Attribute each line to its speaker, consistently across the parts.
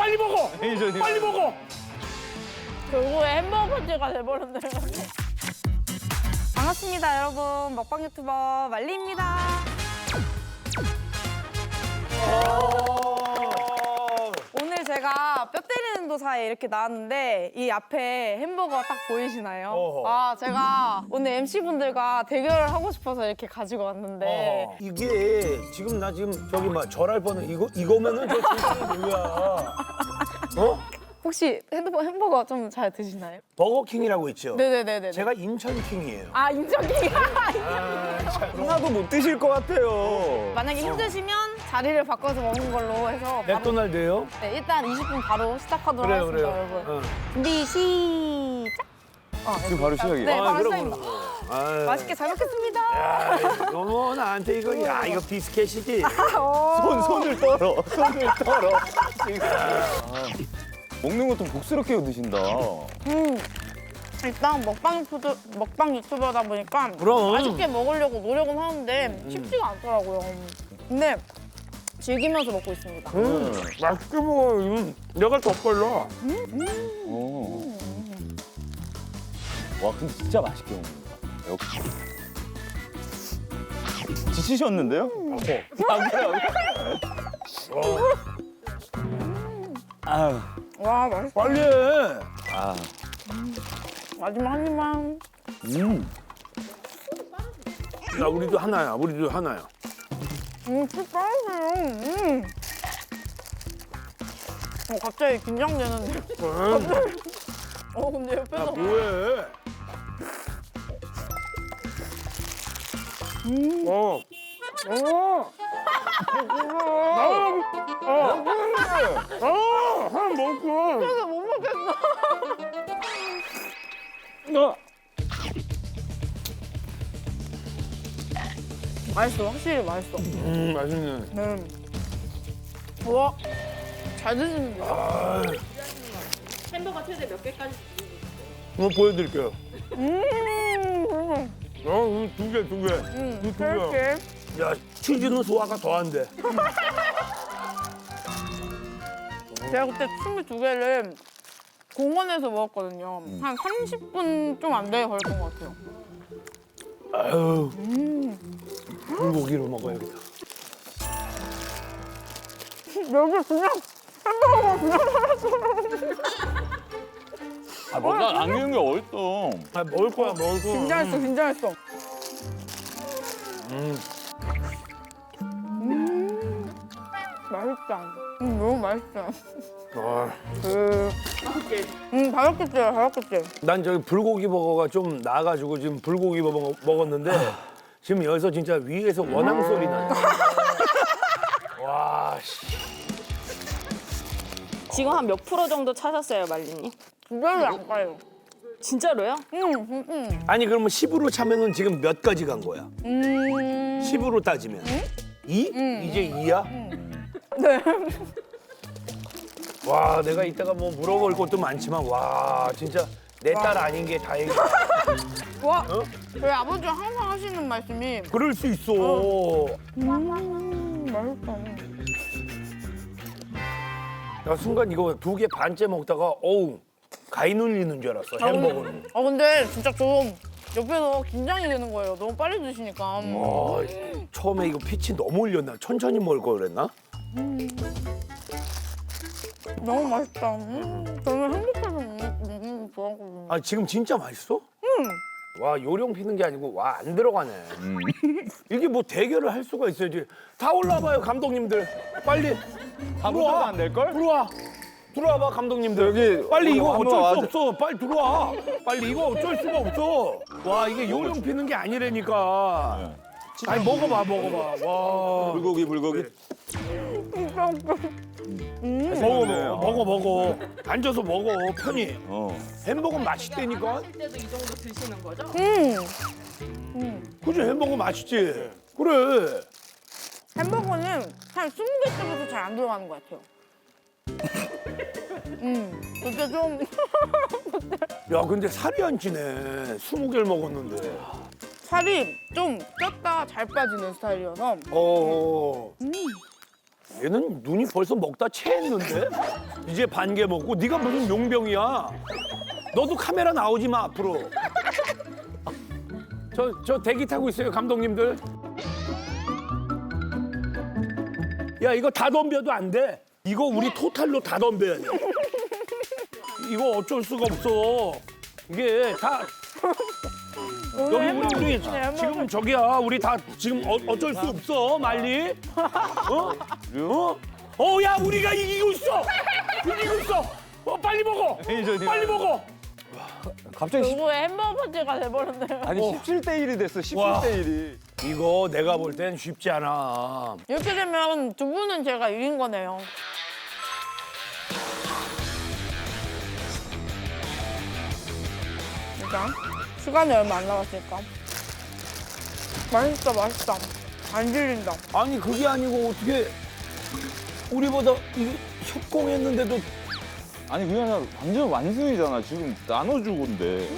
Speaker 1: 빨리 먹어.
Speaker 2: 매니저님.
Speaker 1: 빨리 먹어.
Speaker 3: 결국에 햄버거 파티가 돼버렸네. 반갑습니다, 여러분. 먹방 유튜버 말리입니다. 오늘 제가 뼈 때리는 도사에 이렇게 나왔는데 이 앞에 햄버거 딱 보이시나요?
Speaker 1: 어허.
Speaker 3: 아, 제가 오늘 MC분들과 대결을 하고 싶어서 이렇게 가지고 왔는데
Speaker 1: 이게 지금 나 지금 저기 막 절할 뻔해. 이거면은 저 진짜 뭐야? 어?
Speaker 3: 혹시 햄버거 좀 잘 드시나요?
Speaker 1: 버거킹이라고 있죠.
Speaker 3: 네네네네.
Speaker 1: 제가 인천킹이에요.
Speaker 3: 아, 인정이.
Speaker 2: 하나도 못 드실 것 같아요.
Speaker 3: 만약에 힘드시면 자리를 바꿔서 먹는 걸로 해서 바로,
Speaker 1: 맥도날드예요?
Speaker 3: 네, 일단 20분 바로 시작하도록
Speaker 1: 그래요,
Speaker 3: 하겠습니다,
Speaker 1: 그래요.
Speaker 3: 여러분.
Speaker 1: 어.
Speaker 3: 준비 시작.
Speaker 2: 지금 바로 시작이에요?
Speaker 3: 네,
Speaker 1: 아,
Speaker 3: 바로
Speaker 1: 그럼,
Speaker 3: 시작입니다.
Speaker 1: 아유.
Speaker 3: 맛있게 잘 먹겠습니다.
Speaker 1: 야, 이거 뭐 나한테 이거 비스켓이지.
Speaker 2: 손을 떨어. 손을 떨어. 먹는 것도 복스럽게 드신다.
Speaker 3: 일단 먹방 유튜버다 보니까
Speaker 1: 그럼.
Speaker 3: 맛있게 먹으려고 노력은 하는데 쉽지가 않더라고요. 근데 즐기면서 먹고 있습니다.
Speaker 1: 맛있게 먹어. 내가 더 빨라.
Speaker 2: 오. 와, 근데 진짜 맛있게 먹는다. 역시. 지치셨는데요? 안 그래요? 아유.
Speaker 3: 와, 맛있어.
Speaker 1: 빨리 해.
Speaker 2: 아.
Speaker 3: 마지막 한 입만.
Speaker 1: 야, 우리도 하나야. 우리도 하나야.
Speaker 3: 진짜 빠르세요. 갑자기 긴장되는데. 근데 옆에서.
Speaker 1: 뭐해? 하나 먹고.
Speaker 3: 그래서 못 먹겠어. 맛있어, 확실히 맛있어.
Speaker 1: 맛있네.
Speaker 3: 네. 와, 잘 드시는데요?
Speaker 4: 햄버거 최대 몇 개까지
Speaker 1: 한번 보여드릴게요.
Speaker 3: 음,
Speaker 1: 두 개. 두 개.
Speaker 3: 이렇게.
Speaker 1: 야, 치즈는 소화가 더 안 돼.
Speaker 3: 제가 그때 춤을 2개를 공원에서 먹었거든요. 한 30분 좀 안 되게 걸렸던 것 같아요.
Speaker 1: 아유. 불고기로 먹어야겠다.
Speaker 3: 여기 그냥
Speaker 2: 아, 뭔가 안기는 게 어딨어.
Speaker 1: 아, 먹을 거야, 먹을 거야.
Speaker 3: 긴장했어, 긴장했어. 맛있다. 너무 맛있다.
Speaker 1: 아,
Speaker 3: 5개째.
Speaker 1: 난 저기 불고기 버거가 좀 나아가지고 지금 불고기 버거 먹었는데 지금 여기서 진짜 위에서 원앙 소리 나네. 와, 씨.
Speaker 4: 지금 한 몇 프로 정도 차셨어요, 말리님?
Speaker 3: 2개를 안 가요.
Speaker 4: 진짜로요?
Speaker 1: 아니 그러면 10으로 차면은 지금 몇 가지 간 거야? 10으로 따지면 2? 이제 2야?
Speaker 3: 네.
Speaker 1: 와, 내가 이따가 뭐 물어볼 것도 많지만 와, 진짜 내 딸 아닌 게 다행이야.
Speaker 3: 와, 저희 아버지가 항상 하시는 말씀이
Speaker 1: 그럴 수 있어.
Speaker 3: 맛있다.
Speaker 1: 나 순간 이거 2개 반째 먹다가 어우 가위 눌리는 줄 알았어, 햄버거는.
Speaker 3: 근데 진짜 좀 옆에서 긴장이 되는 거예요. 너무 빨리 드시니까.
Speaker 1: 처음에 이거 피치 너무 올렸나? 천천히 먹을 걸 그랬나?
Speaker 3: 너무 맛있다. 저는 행복해서 먹는 거 좋아하거든요.
Speaker 1: 아, 지금 진짜 맛있어? 와, 요령 피는 게 아니고 와, 안 들어가네. 이게 뭐 대결을 할 수가 있어야지. 다 올라와봐요, 감독님들. 빨리.
Speaker 2: 다 못하면 안 될걸?
Speaker 1: 들어와. 들어와봐, 감독님들.
Speaker 2: 여기
Speaker 1: 빨리 이거
Speaker 2: 한번
Speaker 1: 어쩔 수
Speaker 2: 와줘.
Speaker 1: 없어. 빨리 들어와. 빨리 이거 어쩔 수가 없어. 와, 이게 요령 피는 게 아니라니까. 아니, 먹어봐. 와.
Speaker 2: 불고기.
Speaker 1: 먹어. 앉아서 먹어, 편히. 햄버거 맛있다니까.
Speaker 4: 때도 이 정도 드시는 거죠?
Speaker 1: 그지, 햄버거 맛있지. 그래.
Speaker 3: 햄버거는 한 20개 때부터 잘 안 들어가는 것 같아요. 그때 좀
Speaker 1: 야, 근데 살이 안 찌네. 20개를 먹었는데.
Speaker 3: 살이 좀 쪘다 잘 빠지는 스타일이어서
Speaker 1: 얘는 눈이 벌써 먹다 체했는데? 이제 반 개 먹고 네가 무슨 용병이야? 너도 카메라 나오지 마 앞으로. 저 대기 타고 있어요 감독님들. 야 이거 다 덤벼도 안 돼. 이거 우리 토탈로 다 덤벼야 돼. 이거 어쩔 수가 없어. 이게 다 여기 우리 지금 저기야 우리 다 지금 어쩔 수 없어 말리. 야 우리가 이기고 있어. 이기고 있어. 빨리 먹어. 빨리 먹어.
Speaker 2: 갑자기
Speaker 3: 누구의 햄버거 파티가 돼버렸네요.
Speaker 2: 아니 17대 1이 됐어. 17대 1이.
Speaker 1: 이거 내가 볼 땐 쉽지 않아.
Speaker 3: 이렇게 되면 두 분은 제가 이긴 거네요. 일단 시간이 얼마 안 남았으니까. 맛있다. 안 질린다.
Speaker 1: 아니 그게 아니고 어떻게 우리보다 이게 협공했는데도
Speaker 2: 아니 그냥 완전 완승이잖아. 지금 나눠주고인데.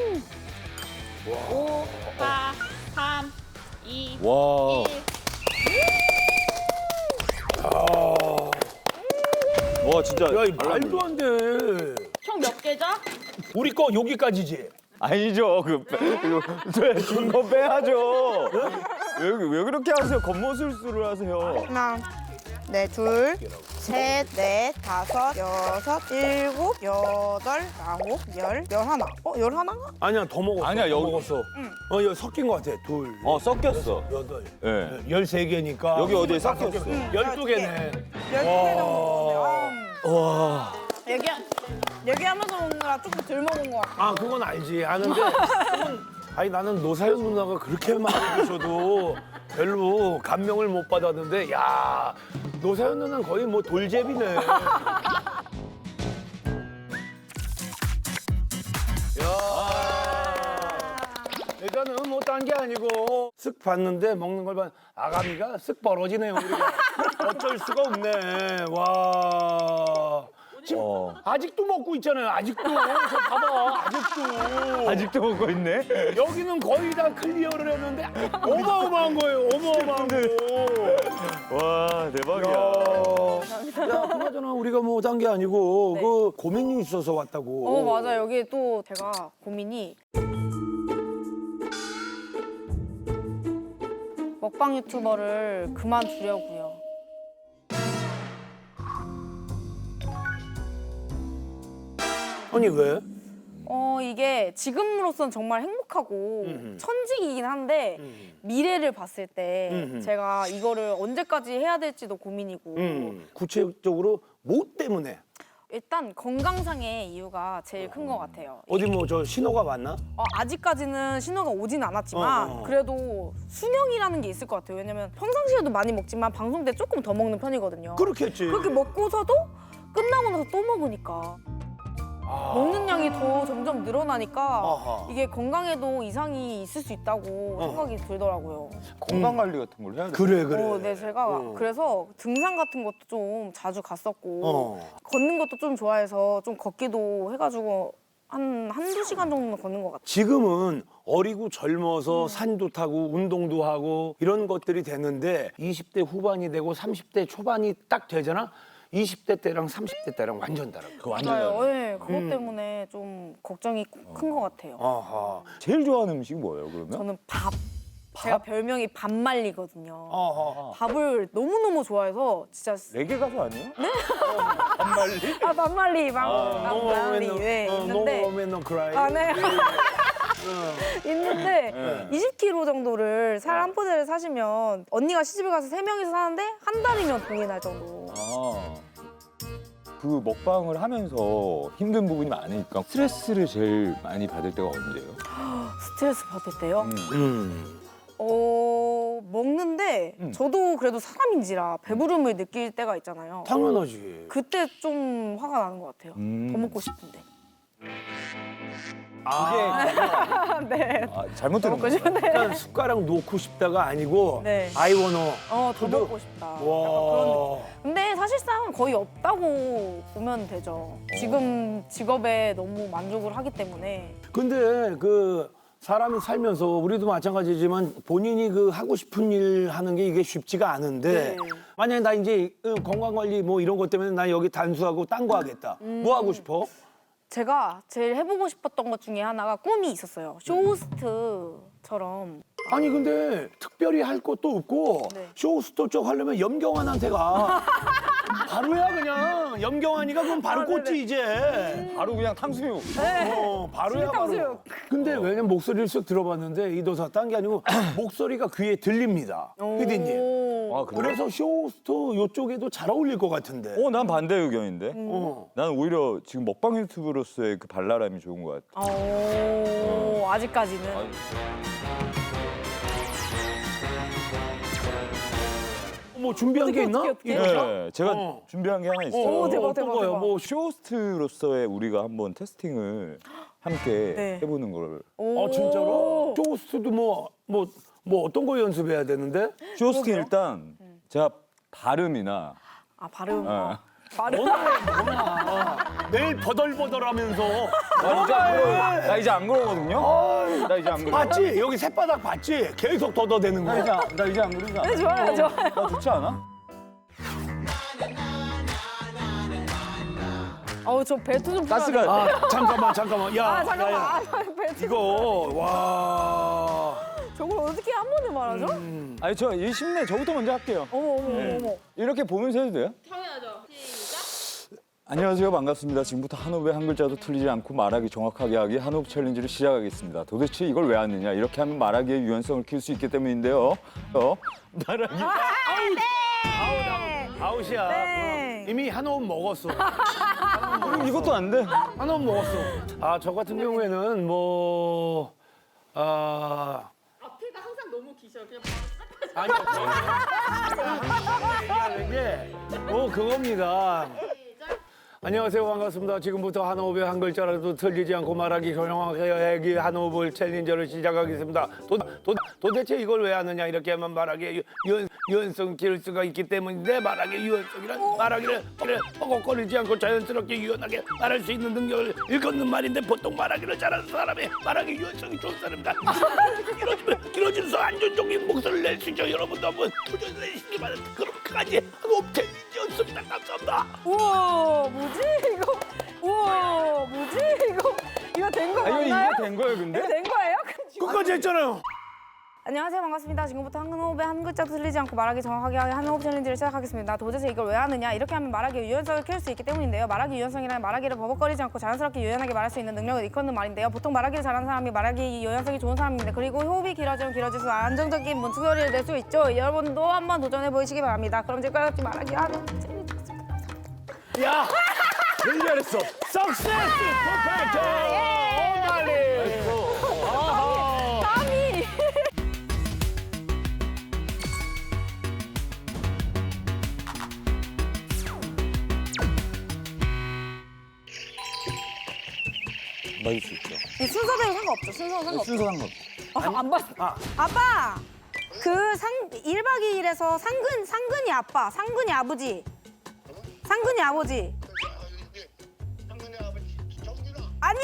Speaker 4: 5, 4, 3, 2,
Speaker 2: 와.
Speaker 4: 1.
Speaker 2: 와 진짜.
Speaker 1: 야, 이 말도 안 돼.
Speaker 4: 총 몇 개죠?
Speaker 1: 우리 거 여기까지지.
Speaker 2: 아니죠. 준거 빼야죠. 왜 그렇게 하세요? 겉모술수를 하세요.
Speaker 3: 하나, 네, 둘, 셋, 넷, 다섯, 여섯, 일곱, 여덟, 아홉, 열, 열하나. 열하나가?
Speaker 1: 아니야 더 먹었어.
Speaker 2: 아니야,
Speaker 1: 더
Speaker 2: 여기-
Speaker 1: 먹었어. 여기 섞인 것 같아. 둘,
Speaker 2: 섞였어.
Speaker 1: 여덟,
Speaker 2: 예.
Speaker 1: 13개니까.
Speaker 2: 여기 어디에 섞였어?
Speaker 1: 12개네.
Speaker 3: 12개 정도 먹었네요.
Speaker 2: 와.
Speaker 3: 얘기하면서 먹는 거라 조금 덜 먹은 것 같아요.
Speaker 1: 아 그건 알지. 아는데 아니 나는 노사연 누나가 그렇게 많이 드셔도 별로 감명을 못 받았는데 야 노사연 누나는 거의 뭐 돌제비네. 일단은 뭐 딴 게 아니고 쓱 봤는데 먹는 걸 봐. 아가미가 쓱 벌어지네요 우리가. 어쩔 수가 없네. 와. 지금 아직도 먹고 있잖아요. 아직도. 저 봐봐. 아직도.
Speaker 2: 아직도 먹고 있네.
Speaker 1: 여기는 거의 다 클리어를 했는데 어마어마한 거예요. 어마어마한 거.
Speaker 2: 와 대박이야.
Speaker 1: 야, 그나저나 우리가 뭐 딴 게 아니고
Speaker 3: 네.
Speaker 1: 그 고민이 있어서 왔다고.
Speaker 3: 맞아요. 여기 또 제가 고민이 먹방 유튜버를 그만두려고요.
Speaker 1: 아니 왜?
Speaker 3: 이게 지금으로선 정말 행복하고 천직이긴 한데 미래를 봤을 때 제가 이거를 언제까지 해야 될지도 고민이고
Speaker 1: 구체적으로 뭐 때문에?
Speaker 3: 일단 건강상의 이유가 제일 큰 것 같아요.
Speaker 1: 어디 뭐 저 신호가 왔나?
Speaker 3: 아직까지는 신호가 오진 않았지만 그래도 수명이라는 게 있을 것 같아요. 왜냐면 평상시에도 많이 먹지만 방송 때 조금 더 먹는 편이거든요.
Speaker 1: 그렇겠지.
Speaker 3: 그렇게 먹고서도 끝나고 나서 또 먹으니까 먹는 양이 더 점점 늘어나니까
Speaker 1: 아하.
Speaker 3: 이게 건강에도 이상이 있을 수 있다고 생각이 들더라고요.
Speaker 2: 건강 관리 같은 걸 해야 돼.
Speaker 1: 그래 그래.
Speaker 3: 네, 제가 그래서 등산 같은 것도 좀 자주 갔었고 걷는 것도 좀 좋아해서 좀 걷기도 해가지고 한두 시간 정도는 걷는 것 같아요.
Speaker 1: 지금은 어리고 젊어서 산도 타고 운동도 하고 이런 것들이 되는데 20대 후반이 되고 30대 초반이 딱 되잖아. 20대 때랑 30대 때랑 완전 달라. 그 완전
Speaker 3: 맞아요.
Speaker 1: 달라.
Speaker 3: 네, 그것 때문에 좀 걱정이 큰 것 같아요.
Speaker 1: 아하.
Speaker 2: 제일 좋아하는 음식이 뭐예요 그러면?
Speaker 3: 저는 밥. 제가 별명이 밥말리거든요.
Speaker 1: 아하.
Speaker 3: 밥을 너무너무 좋아해서 진짜
Speaker 2: 레게 가수 아니에요? 네? 반말리?
Speaker 3: 밥말리 밥말리 네, 있는데
Speaker 1: No woman, no cry.
Speaker 3: 네. 있는데 20kg 정도를 살 한 포대를 사시면 언니가 시집을 가서 3명이서 사는데 한 달이면 돈이 날 정도.
Speaker 2: 그 먹방을 하면서 힘든 부분이 많으니까 스트레스를 제일 많이 받을 때가 언제예요?
Speaker 3: 스트레스 받을 때요? 먹는데 저도 그래도 사람인지라 배부름을 느낄 때가 있잖아요.
Speaker 1: 당연하지.
Speaker 3: 그때 좀 화가 나는 것 같아요. 더 먹고 싶은데. 네.
Speaker 2: 잘못 들은
Speaker 3: 먹고
Speaker 2: 거예요?
Speaker 3: 싶은데.
Speaker 1: 약간 숟가락 놓고 싶다가 아니고
Speaker 3: 네.
Speaker 1: I wanna.
Speaker 3: 더 먹고 싶다. 약간 그런
Speaker 1: 와.
Speaker 3: 느낌. 근데 사실상 거의 없다고 보면 되죠. 지금 직업에 너무 만족을 하기 때문에.
Speaker 1: 근데 그 사람이 살면서 우리도 마찬가지지만 본인이 그 하고 싶은 일 하는 게 이게 쉽지가 않은데 만약에 나 이제 건강관리 뭐 이런 것 때문에 나 여기 단수하고 딴 거 하겠다. 뭐 하고 싶어?
Speaker 3: 제가 제일 해보고 싶었던 것 중에 하나가 꿈이 있었어요. 쇼호스트처럼.
Speaker 1: 아니 근데 특별히 할 것도 없고
Speaker 3: 네.
Speaker 1: 쇼호스트 쪽 하려면 염경환한테 가. 바로야 그냥. 염경환이가 그럼 바로 꽂지 이제.
Speaker 2: 바로 그냥 탕수육.
Speaker 1: 바로야 바로.
Speaker 3: 탕수육.
Speaker 1: 근데 왜냐면 목소리를 쓱 들어봤는데 이도사 딴 게 아니고 목소리가 귀에 들립니다. 피디님.
Speaker 2: 아, 그래?
Speaker 1: 그래서 쇼호스트 요쪽에도 잘 어울릴 것 같은데.
Speaker 2: 난 반대 의견인데.
Speaker 1: 어.
Speaker 2: 난 오히려 지금 먹방 유튜브로서의 그 발랄함이 좋은 것 같아.
Speaker 3: 아직까지는.
Speaker 1: 뭐 준비한 게 있나?
Speaker 3: 어떻게?
Speaker 2: 네, 제가 준비한 게 하나 있어요.
Speaker 3: 오, 대박,
Speaker 1: 어떤
Speaker 3: 대박,
Speaker 1: 거요?
Speaker 3: 대박.
Speaker 1: 뭐
Speaker 2: 쇼호스트로서의 우리가 한번 테스팅을 함께
Speaker 3: 네.
Speaker 2: 해보는 걸.
Speaker 1: 진짜로? 쇼호스트도 뭐 어떤 거 연습해야 되는데?
Speaker 2: 쇼호스트 일단 제가 발음이나
Speaker 3: 발음.
Speaker 2: 어.
Speaker 3: 발음.
Speaker 1: 매일 버덜버덜하면서
Speaker 2: 나 이제 안 그러거든요. 나 이제 안 그러.
Speaker 1: 봤지? 여기 새바닥 봤지? 계속 더더대는
Speaker 2: 나
Speaker 1: 거야.
Speaker 2: 이제 안 그러지 않아?
Speaker 3: 네, 좋아요, 좋아요.
Speaker 2: 나 좋지 않아?
Speaker 3: 저 벨트 좀
Speaker 2: 가스가
Speaker 1: 잠깐만. 야,
Speaker 3: 잠깐만.
Speaker 1: 야.
Speaker 3: 벨트.
Speaker 1: 이거 와.
Speaker 3: 저걸 어떻게 한 번에 말하죠?
Speaker 2: 아니 저 일심내 저부터 먼저 할게요.
Speaker 3: 어머.
Speaker 2: 이렇게 보면서 해도 돼요?
Speaker 4: 당연하죠. 시작.
Speaker 2: 안녕하세요. 반갑습니다. 지금부터 한호흡의 한 글자도 틀리지 않고 말하기 정확하게 하기 한호흡 챌린지를 시작하겠습니다. 도대체 이걸 왜 하느냐? 이렇게 하면 말하기의 유연성을 키울 수 있기 때문인데요. 말하기.
Speaker 1: 아웃이야.
Speaker 3: 네.
Speaker 1: 이미 한 호흡 먹었어.
Speaker 2: 그럼 이것도 안 돼.
Speaker 1: 한 호흡 먹었어. 저 같은 경우에는
Speaker 4: 앞에가 항상 너무 기셔요. 그냥 바로
Speaker 1: 얘기하는 게 그겁니다. 안녕하세요. 반갑습니다. 지금부터 한 호흡에 한 글자라도 틀리지 않고 말하기 정확하게 하기 한 호흡을 챌린저를 시작하겠습니다. 도대체 이걸 왜 하느냐? 이렇게 하면 말하기에 유연성 기를 수가 있기 때문인데 말하기의 유연성이란 말하기를 허걱거리지 않고 자연스럽게 유연하게 말할 수 있는 능력을 일컫는 말인데 보통 말하기를 잘하는 사람이 말하기 유연성이 좋은 사람입니다. 길어지면서 안정적인 목소리를 낼 수 있죠. 여러분도 한번 도전해주시기 바랍니다. 그렇게까지 하고 챌린저였습니다. 감사합니다.
Speaker 3: 우와, 뭐지 이거? 우와, 뭐지 이거? 이거 된 거 맞나요?
Speaker 2: 이거 된 거예요, 근데?
Speaker 3: 이거 된 거예요?
Speaker 1: 끝까지 했잖아요.
Speaker 3: 안녕하세요, 반갑습니다. 지금부터 한 호흡에 한 글자도 틀리지 않고 말하기 정확하게 하기 한 호흡 챌린지를 시작하겠습니다. 도대체 이걸 왜 하느냐? 이렇게 하면 말하기의 유연성을 키울 수 있기 때문인데요. 말하기 유연성이란 말하기를 버벅거리지 않고 자연스럽게 유연하게 말할 수 있는 능력을 일컫는 말인데요. 보통 말하기를 잘하는 사람이 말하기 유연성이 좋은 사람입니다. 그리고 호흡이 길어지면 길어질수록 안정적인 문소리를 낼 수 있죠. 여러분도 한번 도전해 보시기 바랍니다. 그럼 지금까지 말하기 하는 챌린지.
Speaker 1: 야,
Speaker 2: 제일 잘했어.
Speaker 1: 석세스 퍼펙트. 오말리.
Speaker 3: 땀이.
Speaker 2: 맞을 수 있죠.
Speaker 3: 이 순서대로 상관없죠. 순서는 상관없죠.
Speaker 2: 순서 상관없어.
Speaker 3: 안 봤어. 아빠! 그 1박 2일에서 상근이 아빠, 상근이 아버지. 상근이 아버지. 아니,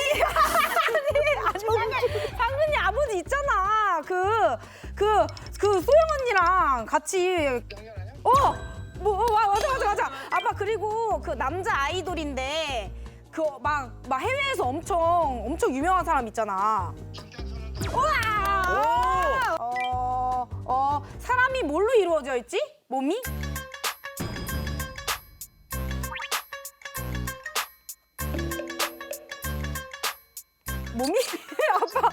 Speaker 3: 상근이 아버지 있잖아. 그 소영 언니랑 같이. 맞아. 아빠, 그리고 그 남자 아이돌인데, 막 해외에서 엄청 유명한 사람 있잖아. 우와! 사람이 뭘로 이루어져 있지? 몸이? 몸이? 아빠.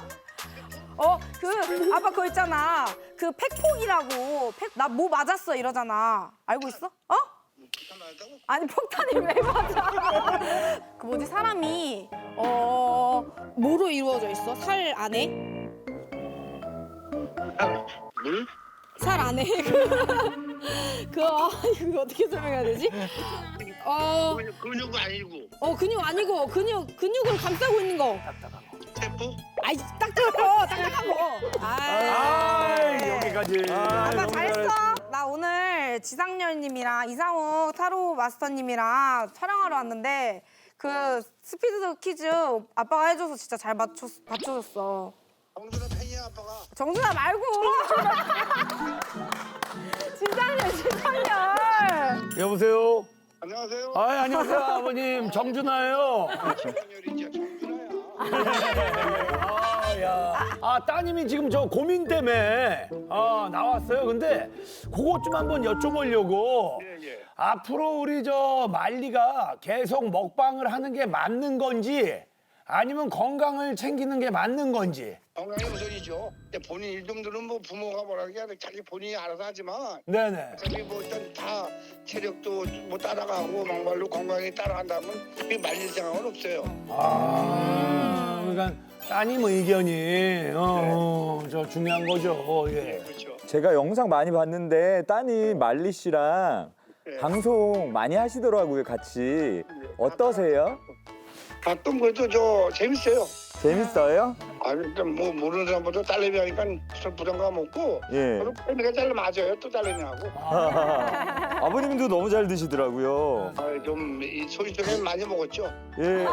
Speaker 3: 아빠 그거 있잖아. 그 팩폭이라고. 나 뭐 맞았어 이러잖아. 알고 있어? 아니 폭탄이 왜 맞아? 그 뭐지 사람이 뭐로 이루어져 있어? 살 안에?
Speaker 5: 물?
Speaker 3: 살 안에 이거 어떻게 설명해야 되지?
Speaker 5: 근육 아니고
Speaker 3: 근육 아니고 근육을 감싸고 있는 거.
Speaker 5: 세포?
Speaker 3: 아이 딱딱한 거.
Speaker 1: 여기까지.
Speaker 3: 아빠 잘했어. 나 오늘 지상렬님이랑 이상욱 타로 마스터님이랑 촬영하러 왔는데 그 스피드 퀴즈 아빠가 해줘서 진짜 잘 맞춰줬어.
Speaker 5: 정준아 팬이야 아빠가.
Speaker 3: 정준아 말고. 진상열.
Speaker 1: 여보세요.
Speaker 5: 안녕하세요.
Speaker 1: 아, 안녕하세요, 아버님. 정준하예요.
Speaker 5: 정준열이죠. 정준아야.
Speaker 1: 아, 야. 아, 따님이 지금 저 고민 때문에 나왔어요. 근데 그것 좀 한번 여쭤보려고.
Speaker 5: 예.
Speaker 1: 앞으로 우리 저 말리가 계속 먹방을 하는 게 맞는 건지 아니면 건강을 챙기는 게 맞는 건지.
Speaker 5: 건강이 우선이죠. 근데 본인 일정들은 뭐 부모가 뭐라 해야 돼. 자기 본인이 알아서 하지만
Speaker 1: 네네.
Speaker 5: 어차피 뭐 일단 다 체력도 뭐 따라가고 막말로 건강이 따라간다면 그게 말릴 생각은 없어요.
Speaker 1: 아, 그러니까 따님 의견이 저 중요한 거죠. 예.
Speaker 5: 그렇죠.
Speaker 2: 제가 영상 많이 봤는데 따님 말리 씨랑
Speaker 5: 네.
Speaker 2: 방송 많이 하시더라고요, 같이. 어떠세요?
Speaker 5: 가끔 그래도 저 재밌어요.
Speaker 2: 재밌어요?
Speaker 5: 아 일단 뭐 모르는 사람보다 딸내미 하니까 좀 부담감 없고
Speaker 2: 예.
Speaker 5: 저도 딸내미가 잘 맞아요. 또 딸내미하고.
Speaker 2: 아버님도 너무 잘 드시더라고요.
Speaker 5: 좀이 소리 쪽에 많이 먹었죠.
Speaker 2: 예.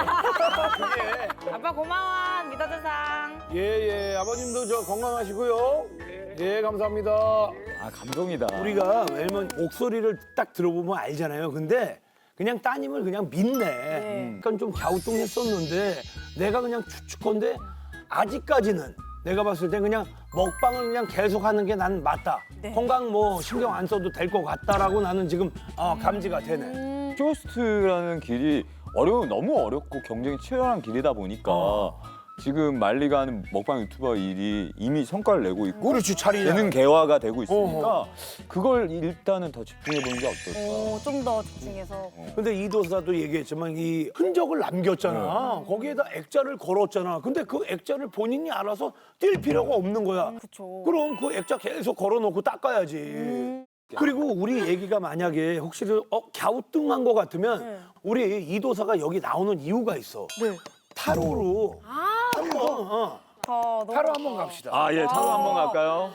Speaker 3: 아빠 고마워. 믿어주상.
Speaker 1: 예, 아버님도 저 건강하시고요. 예, 감사합니다.
Speaker 2: 아, 감동이다.
Speaker 1: 우리가 왜냐면 목소리를 딱 들어보면 알잖아요. 근데 그냥 따님을 그냥 믿네. 그러니까 좀 갸우뚱했었는데 내가 그냥 추측건데 아직까지는 내가 봤을 때 그냥 먹방을 그냥 계속하는 게 난 맞다. 건강 뭐 신경 안 써도 될 것 같다라고 나는 지금 감지가 되네.
Speaker 2: 쇼호스트라는 길이 너무 어렵고 경쟁이 치열한 길이다 보니까 지금 말리가 하는 먹방 유튜버 일이 이미 성과를 내고 있고
Speaker 1: 그렇지, 자리냐.
Speaker 2: 예능 개화가 되고 있으니까 그걸 일단은 더 집중해 보는 게 어떨까.
Speaker 3: 좀 더 집중해서.
Speaker 1: 근데 이도사도 얘기했지만 이 흔적을 남겼잖아. 거기에다 액자를 걸었잖아. 근데 그 액자를 본인이 알아서 뛸 필요가 없는 거야.
Speaker 3: 그쵸.
Speaker 1: 그럼 그 액자 계속 걸어놓고 닦아야지. 그리고 우리 얘기가 만약에 혹시 갸우뚱한 것 같으면 우리 이도사가 여기 나오는 이유가 있어.
Speaker 3: 네.
Speaker 1: 타로로 한번
Speaker 3: 너무
Speaker 1: 타로
Speaker 3: 좋다.
Speaker 1: 한번 갑시다.
Speaker 2: 아, 예, 타로 한번 갈까요?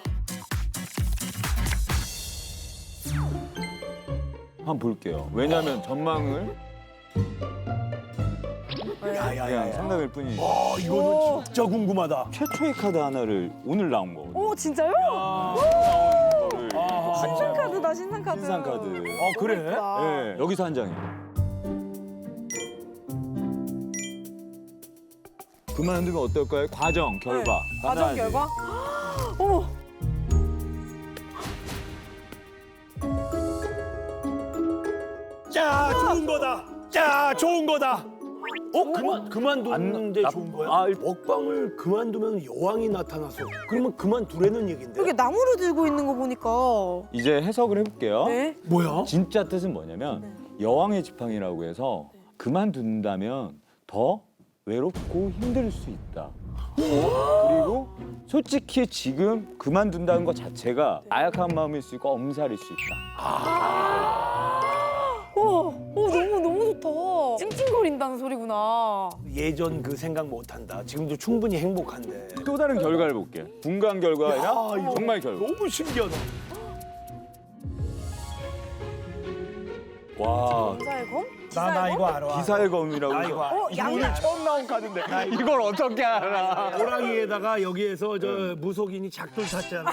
Speaker 2: 한번 볼게요. 왜냐하면 전망을 그냥
Speaker 1: 야야야.
Speaker 2: 상담일 뿐이니까.
Speaker 1: 이거는 진짜 궁금하다.
Speaker 2: 최초의 카드 하나를 오늘 나온 거거든요.
Speaker 3: 오 진짜요? 신상 카드다 신상 카드.
Speaker 2: 신상 카드.
Speaker 1: 그래?
Speaker 2: 네, 여기서 한 장이에요. 그만두면 어떨까요? 과정, 결과.
Speaker 3: 과정
Speaker 2: 하나씩.
Speaker 3: 결과? 어머.
Speaker 1: 자, 좋은 거다. 자, 좋은 거다. 그만두는데
Speaker 2: 안-
Speaker 1: 좋은 거야?
Speaker 2: 아,
Speaker 1: 먹방을 그만두면 여왕이 나타나서 그러면 그만두라는 얘긴데.
Speaker 3: 이렇게 나무를 들고 있는 거 보니까.
Speaker 2: 이제 해석을 해볼게요.
Speaker 3: 네.
Speaker 1: 뭐야?
Speaker 2: 진짜 뜻은 뭐냐면 여왕의 지팡이라고 해서 그만둔다면 더 외롭고 힘들 수 있다. 그리고 솔직히 지금 그만둔다는 것 자체가 나약한 마음일 수 있고 엄살일 수 있다.
Speaker 3: 너무 좋다. 찡찡거린다는 소리구나.
Speaker 1: 예전 그 생각 못 한다. 지금도 충분히 행복한데.
Speaker 2: 또 다른 결과를 볼게. 분간 결과가 아니라
Speaker 1: 이거
Speaker 2: 정말 결과.
Speaker 1: 너무 신기하다.
Speaker 2: 와,
Speaker 3: 기사의 검?
Speaker 1: 나 이거 알아.
Speaker 2: 기사의 검이라고.
Speaker 1: 나 이거 알아.
Speaker 2: 이거 오늘 처음 나온 카드인데 이걸 어떻게 알아?
Speaker 1: 호랑이에다가 여기에서 저 무속인이 작돌 탔잖아.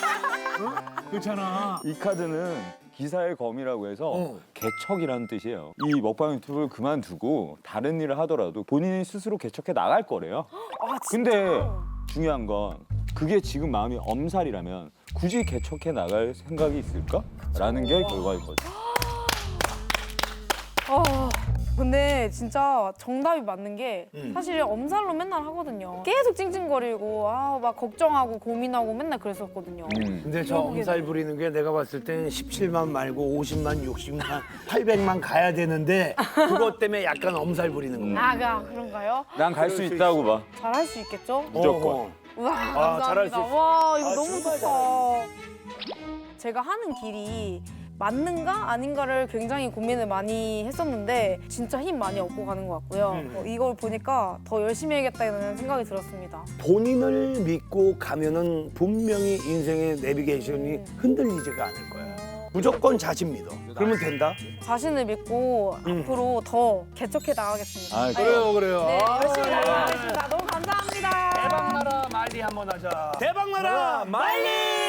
Speaker 1: 그렇잖아.
Speaker 2: 이 카드는 기사의 검이라고 해서 개척이라는 뜻이에요. 이 먹방 유튜브를 그만두고 다른 일을 하더라도 본인이 스스로 개척해 나갈 거래요. 근데 중요한 건 그게 지금 마음이 엄살이라면 굳이 개척해 나갈 생각이 있을까? 라는 게 결과인 거죠.
Speaker 3: 근데 진짜 정답이 맞는 게 사실 엄살로 맨날 하거든요. 계속 찡찡거리고 막 걱정하고 고민하고 맨날 그랬었거든요.
Speaker 1: 근데 저 엄살 부리는 게 내가 봤을 때는 17만 말고 50만, 60만, 800만 가야 되는데 그것 때문에 약간 엄살 부리는 거야.
Speaker 3: 그런가요?
Speaker 2: 난 갈 수 있다고 봐.
Speaker 3: 잘할 수 있겠죠?
Speaker 2: 무조건.
Speaker 3: 우와,
Speaker 1: 잘할
Speaker 3: 감사합니다.
Speaker 1: 수 있어.
Speaker 3: 와, 이거 너무
Speaker 1: 정말
Speaker 3: 좋다. 제가 하는 길이 맞는가 아닌가를 굉장히 고민을 많이 했었는데 진짜 힘 많이 얻고 가는 것 같고요. 이걸 보니까 더 열심히 해야겠다는 생각이 들었습니다.
Speaker 1: 본인을 믿고 가면은 분명히 인생의 내비게이션이 흔들리지가 않을 거야. 무조건 자신 믿어. 그러면 된다.
Speaker 3: 자신을 믿고 앞으로 더 개척해 나가겠습니다.
Speaker 2: 아,
Speaker 1: 그래요.
Speaker 3: 네, 열심히 나가겠습니다. 너무 감사합니다.
Speaker 1: 대박 나라 말이. 한번 하자. 대박나라 말리!